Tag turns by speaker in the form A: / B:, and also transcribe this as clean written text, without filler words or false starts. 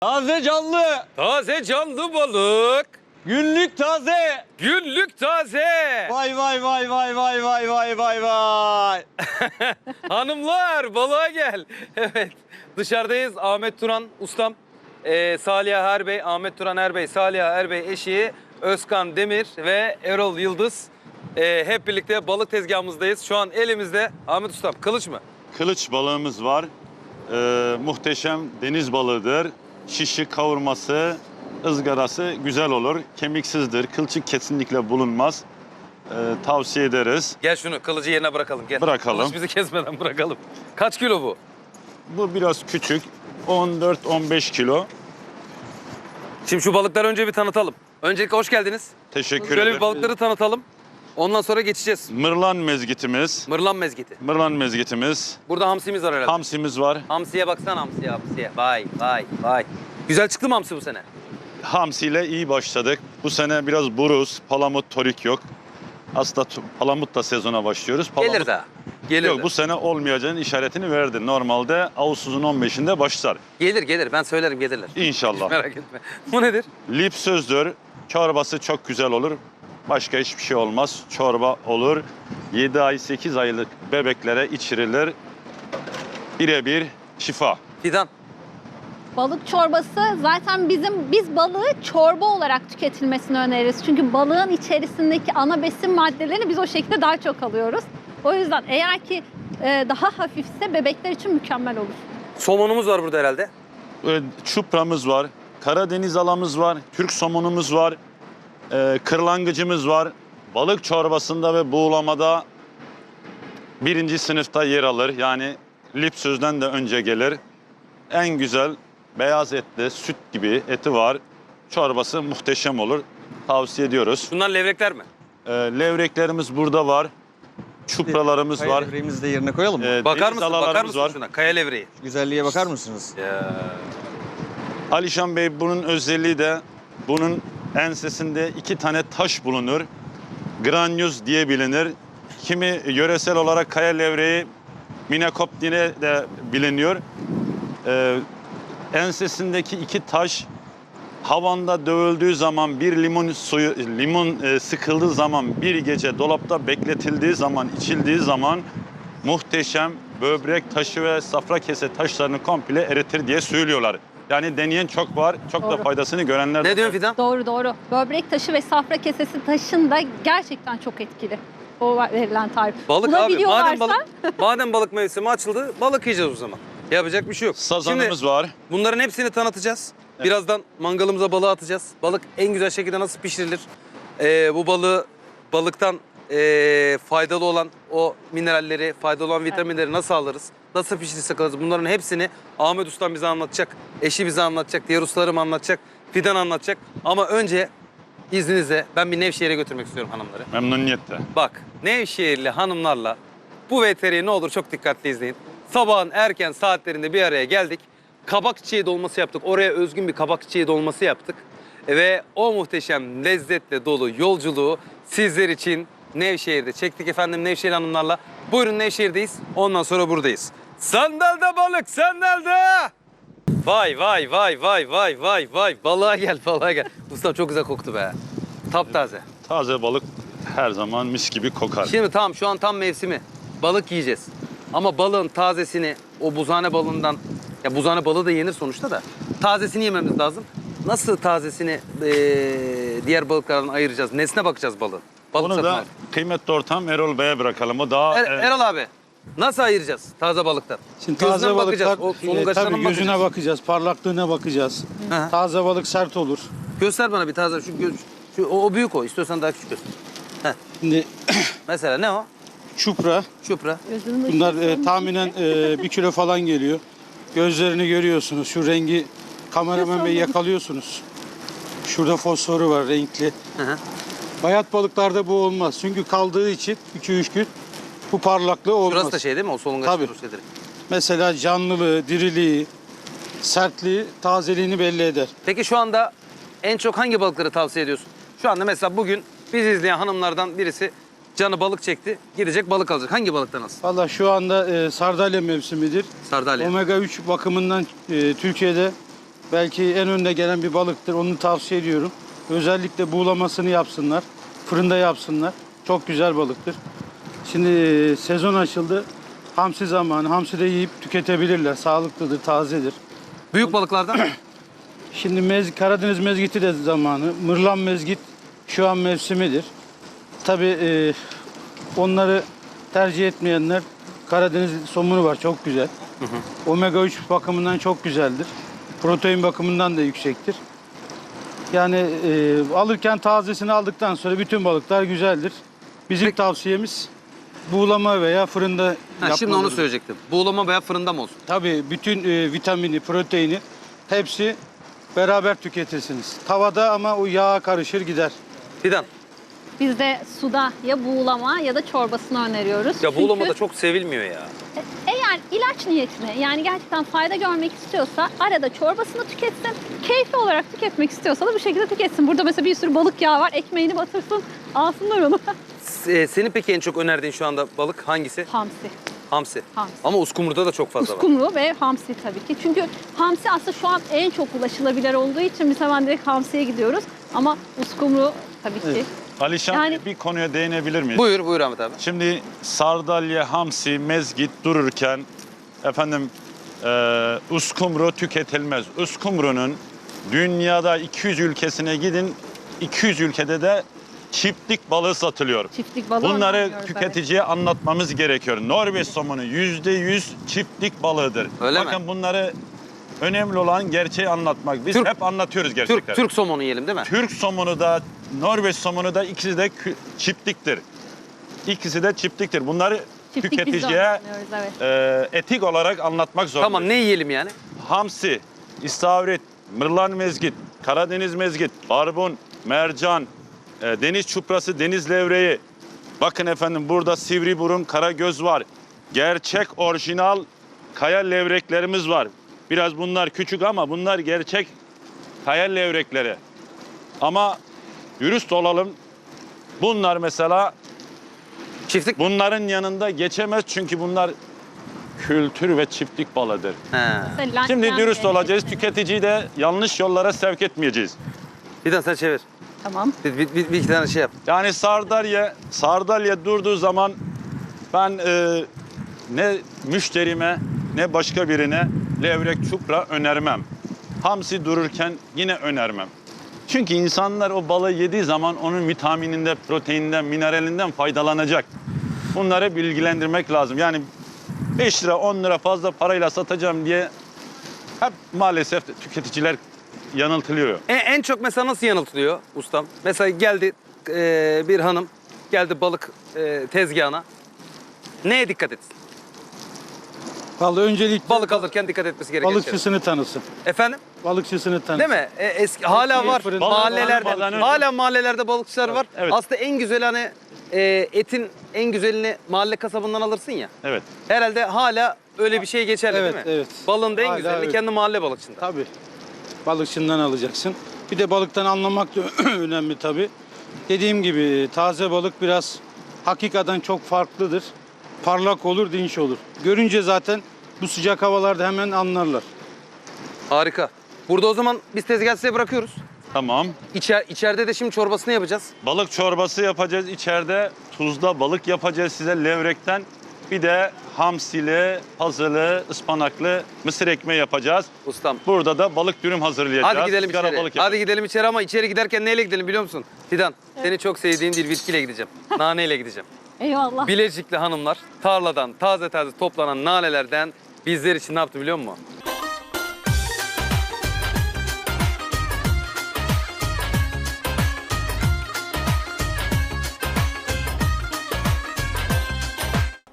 A: Taze canlı.
B: Taze canlı balık.
A: Günlük taze.
B: Günlük taze.
A: Vay vay vay vay vay vay vay vay vay.
B: Hanımlar balığa gel. Evet dışarıdayız. Ahmet Turan ustam, Saliha Erbey, Ahmet Turan Erbey, Saliha Erbey eşi Özkan Demir ve Erol Yıldız. Hep birlikte balık tezgahımızdayız. Şu an elimizde Ahmet ustam kılıç mı?
C: Kılıç balığımız var. Muhteşem deniz balığıdır. Şişi, kavurması, ızgarası güzel olur. Kemiksizdir. Kılçık kesinlikle bulunmaz. Tavsiye ederiz.
B: Gel şunu kılıcı yerine bırakalım. Gel.
C: Bırakalım.
B: Kılıç bizi kesmeden bırakalım. Kaç kilo bu?
C: Bu biraz küçük. 14-15 kilo.
B: Şimdi şu balıkları önce bir tanıtalım. Öncelikle hoş geldiniz.
C: Teşekkür
B: Şöyle
C: ederim.
B: bir balıkları tanıtalım. Ondan sonra geçeceğiz.
C: Mırlan mezgitimiz.
B: Mırlan mezgiti.
C: Mırlan mezgitimiz.
B: Burada hamsimiz var herhalde.
C: Hamsimiz var.
B: Hamsiye baksana hamsiye. Vay vay vay. Güzel çıktı mı hamsi bu sene?
C: Hamsiyle iyi başladık. Bu sene biraz buruz, palamut, torik yok. Aslında palamutla sezona başlıyoruz.
B: Gelir daha. Gelir
C: Yok
B: de.
C: bu sene olmayacağının işaretini verdi. Normalde Ağustos'un 15'inde başlar.
B: Gelir. Ben söylerim gelirler.
C: İnşallah.
B: Merak etme. Bu nedir?
C: Lip sözdür. Çorbası çok güzel olur. Başka hiçbir şey olmaz. Çorba olur. 7 ay 8 aylık bebeklere içirilir. Birebir şifa.
B: Fidan.
D: Balık çorbası zaten biz balığı çorba olarak tüketilmesini öneririz. Çünkü balığın içerisindeki ana besin maddelerini biz o şekilde daha çok alıyoruz. O yüzden eğer ki daha hafifse bebekler için mükemmel olur.
B: Somonumuz var burada herhalde.
C: Çupramız var. Karadeniz alamız var. Türk somonumuz var. Kırlangıcımız var. Balık çorbasında ve buğulamada birinci sınıfta yer alır. Yani lip sözden de önce gelir. En güzel beyaz etli, süt gibi eti var. Çorbası muhteşem olur. Tavsiye ediyoruz.
B: Bunlar levrekler mi?
C: Levreklerimiz burada var. Çupralarımız var.
E: Levreğimizi de yerine koyalım mı?
B: Bakar
C: Deniz
B: mısın? Bakar
C: alalarımız
B: mısın
C: var.
B: şuna? Kaya levreği.
E: Güzelliğe bakar mısınız?
B: Ya.
C: Alişan Bey bunun özelliği de bunun ensesinde 2 tane taş bulunur. Granyuz diye bilinir. Kimi yöresel olarak kaya levreği minekop diye de biliniyor. Ensesindeki 2 taş havanda dövüldüğü zaman bir limon sıkıldığı zaman bir gece dolapta bekletildiği zaman içildiği zaman muhteşem böbrek taşı ve safra kese taşlarını komple eritir diye söylüyorlar. Yani deneyen çok var. Çok da
D: Doğru.
C: faydasını görenler de
B: Ne
C: var.
B: diyorsun Fidan?
D: Doğru. Böbrek taşı ve safra kesesi taşın da gerçekten çok etkili. O verilen tarif.
B: Balık abi.
D: Bulabiliyorlarsa-
B: Madem balık mevsimi açıldı, balık yiyeceğiz o zaman. Yapacak bir şey yok.
C: Sazanımız
B: Şimdi
C: var.
B: bunların hepsini tanıtacağız. Birazdan mangalımıza balığı atacağız. Balık en güzel şekilde nasıl pişirilir? Bu balıktan faydalı olan o mineralleri, faydalı olan vitaminleri nasıl alırız? Nasıl pişirirsek alırız? Bunların hepsini Ahmet Ustam bize anlatacak. Eşi bize anlatacak. Diğer ustalarım anlatacak. Fidan anlatacak. Ama önce izninizle ben bir Nevşehir'e götürmek istiyorum hanımları.
C: Memnuniyetle.
B: Bak Nevşehirli hanımlarla bu VTR'yi ne olur çok dikkatli izleyin. Sabahın erken saatlerinde bir araya geldik. Kabak çiçeği dolması yaptık. Oraya özgün bir kabak çiçeği dolması yaptık. Ve o muhteşem lezzetle dolu yolculuğu sizler için Nevşehir'de çektik efendim Nevşehir hanımlarla. Buyurun Nevşehir'deyiz. Ondan sonra buradayız. Sandalda balık, sandalda! Vay. Balığa gel. Ustam çok güzel koktu be. Taptaze.
C: Taze balık her zaman mis gibi kokar.
B: Şimdi tamam şu an tam mevsimi. Balık yiyeceğiz. Ama balığın tazesini o buzhane balığından, ya buzhane balığı da yenir sonuçta da tazesini yememiz lazım. Nasıl tazesini diğer balıklardan ayıracağız? Nesine bakacağız balığın? Balık
C: Onu
B: satın
C: da
B: al.
C: kıymetli ortam Erol Bey'e bırakalım. O daha
B: Erol abi nasıl ayıracağız taze balıktan?
F: Şimdi
B: Gözüne
F: taze
B: mi
F: balıklar
B: bakacağız? O solungaçlarına
F: tabii
B: mı
F: gözüne
B: bakacağız?
F: bakacağız, parlaklığına bakacağız.
B: Hı.
F: Taze balık sert olur.
B: Göster bana bir taze o büyük o. İstiyorsan daha küçük göster.
F: Şimdi
B: Mesela ne o?
F: çupra,
B: Çupra.
D: Gözünün
F: bunlar
D: ışığı-
F: tahminen 1 kilo falan geliyor. Gözlerini görüyorsunuz, şu rengi kameraman bey yakalıyorsunuz. Şurada fosforu var renkli.
B: Hı.
F: Bayat balıklarda bu olmaz. Çünkü kaldığı için 2-3 gün bu parlaklığı olmaz.
B: Burası da şey değil mi? O solungaç
F: Tabii.
B: şeyleri.
F: Mesela canlılığı, diriliği, sertliği, tazeliğini belli eder.
B: Peki şu anda en çok hangi balıkları tavsiye ediyorsun? Şu anda mesela bugün bizi izleyen hanımlardan birisi canı balık çekti, gidecek balık alacak. Hangi balıktan alsın?
F: Valla şu anda sardalya mevsimidir.
B: Sardalya.
F: Omega 3 bakımından Türkiye'de Belki en önde gelen bir balıktır. Onu tavsiye ediyorum. Özellikle buğulamasını yapsınlar. Fırında yapsınlar. Çok güzel balıktır. Şimdi sezon açıldı. Hamsi zamanı. Hamsi de yiyip tüketebilirler. Sağlıklıdır, tazedir.
B: Büyük balıklardan
F: Şimdi Karadeniz mezgiti de zamanı. Mırlan mezgit şu an mevsimidir. Tabii onları tercih etmeyenler Karadeniz somunu var. Çok güzel. Omega 3 bakımından çok güzeldir. Protein bakımından da yüksektir. Yani alırken tazesini aldıktan sonra bütün balıklar güzeldir. Bizim tavsiyemiz buğulama veya fırında yapmalıdır.
B: Şimdi onu söyleyecektim. Buğulama veya fırında mı olsun?
F: Tabii bütün vitamini, proteini hepsi beraber tüketirsiniz. Tavada ama o yağa karışır gider.
B: Fidan.
D: Biz de suda ya buğulama ya da çorbasını öneriyoruz.
B: Ya buğulama da
D: Çünkü
B: çok sevilmiyor ya.
D: eğer ilaç niyetine yani gerçekten fayda görmek istiyorsa arada çorbasını tüketsin. Keyfi olarak tüketmek istiyorsa da bu şekilde tüketsin. Burada mesela bir sürü balık yağı var. Ekmeğini batırsın, alsınlar onu.
B: Senin peki en çok önerdiğin şu anda balık hangisi?
D: Hamsi.
B: Hamsi.
D: Hamsi.
B: Ama uskumruda da çok fazla var.
D: Uskumru ve hamsi tabii ki. Çünkü hamsi aslında şu an en çok ulaşılabilir olduğu için biz hemen direkt hamsiye gidiyoruz. Ama uskumru tabii ki.
C: Alişan
D: Yani-
C: bir konuya değinebilir miyiz?
B: Buyur Ahmet abi.
C: Şimdi sardalya, hamsi, mezgit dururken efendim uskumru tüketilmez. Uskumrunun dünyada 200 ülkesine gidin, 200 ülkede de çiftlik balığı satılıyor.
D: Çiftlik balığı
C: Bunları
D: önermiyoruz,
C: tüketiciye anlatmamız gerekiyor. Norveç somonu %100 çiftlik balığıdır.
B: Öyle mi?
C: Bakın bunları önemli olan gerçeği anlatmak. Biz
B: Türk-
C: hep anlatıyoruz gerçekten.
B: Türk somonu yiyelim değil mi?
C: Türk somonu da Norveç somonu da ikisi de çiftliktir. İkisi de çiftliktir. Bunları
D: Çiftlik biz de
C: tüketiciye
D: önermiyoruz, evet.
C: etik olarak anlatmak zorundayız.
B: Tamam ne yiyelim yani?
C: Hamsi, istavrit, mırlan mezgit, Karadeniz mezgit, barbun, mercan, deniz çuprası, deniz levreği. Bakın efendim burada sivri burun, karagöz var. Gerçek orijinal kaya levreklerimiz var. Biraz bunlar küçük ama bunlar gerçek kaya levrekleri. Ama dürüst olalım. Bunlar mesela
B: Çiftlik.
C: bunların yanında geçemez çünkü bunlar kültür ve çiftlik balığıdır.
B: He.
D: Mesela
C: Şimdi
D: lantern
C: dürüst
D: de-
C: olacağız. Tüketiciyi de yanlış yollara sevk etmeyeceğiz.
B: Fidan sen çevir.
D: Tamam.
B: Bir iki tane şey yap.
C: Yani sardalya durduğu zaman ben ne müşterime ne başka birine levrek çupra önermem. Hamsi dururken yine önermem. Çünkü insanlar o balığı yediği zaman onun vitamininden, proteininden, mineralinden faydalanacak. Bunları bilgilendirmek lazım. Yani 5 lira 10 lira fazla parayla satacağım diye hep maalesef tüketiciler yanıltılıyor.
B: En çok mesela nasıl yanıltılıyor ustam? Mesela geldi bir hanım geldi balık tezgahına. Neye dikkat etsin?
F: Vallahi öncelikle
B: Balık alırken dikkat etmesi gereken şey.
F: balıkçısını tanısın.
B: Efendim?
F: Balıkçısını tanısın.
B: Değil mi? Eski hala var
F: fırında
B: mahallelerde.
C: almadan önce-
B: Hala mahallelerde balıkçılar var.
C: Evet.
B: Aslında en güzel hani etin en güzelini mahalle kasabından alırsın ya.
C: Evet.
B: Herhalde hala öyle bir şey geçerli
F: Evet,
B: değil mi?
F: evet.
B: Balığın da en
F: Hala
B: güzelini
F: evet.
B: kendi mahalle balıkçında.
F: Tabii. Balıkçından alacaksın. Bir de balıktan anlamak da önemli tabii. Dediğim gibi taze balık biraz hakikaten çok farklıdır. Parlak olur, dinç olur. Görünce zaten bu sıcak havalarda hemen anlarlar.
B: Harika. Burada o zaman biz tezgahı size bırakıyoruz.
C: Tamam.
B: İçeride de şimdi çorbasını yapacağız.
C: Balık çorbası yapacağız. İçeride tuzla balık yapacağız size levrekten. Bir de hamsili, pazılı, ıspanaklı mısır ekmeği yapacağız.
B: Ustam.
C: Burada da balık dürüm hazırlayacağız.
B: Hadi gidelim
C: Sigara
B: içeri.
C: balık
B: Hadi
C: yapacağız.
B: gidelim içeri ama içeri giderken neyle gidelim biliyor musun? Fidan, seni çok sevdiğim bir bitkiyle gideceğim. Naneyle gideceğim.
D: Eyvallah.
B: Bilecikli hanımlar tarladan taze taze toplanan nanelerden bizler için ne yaptı biliyor musun?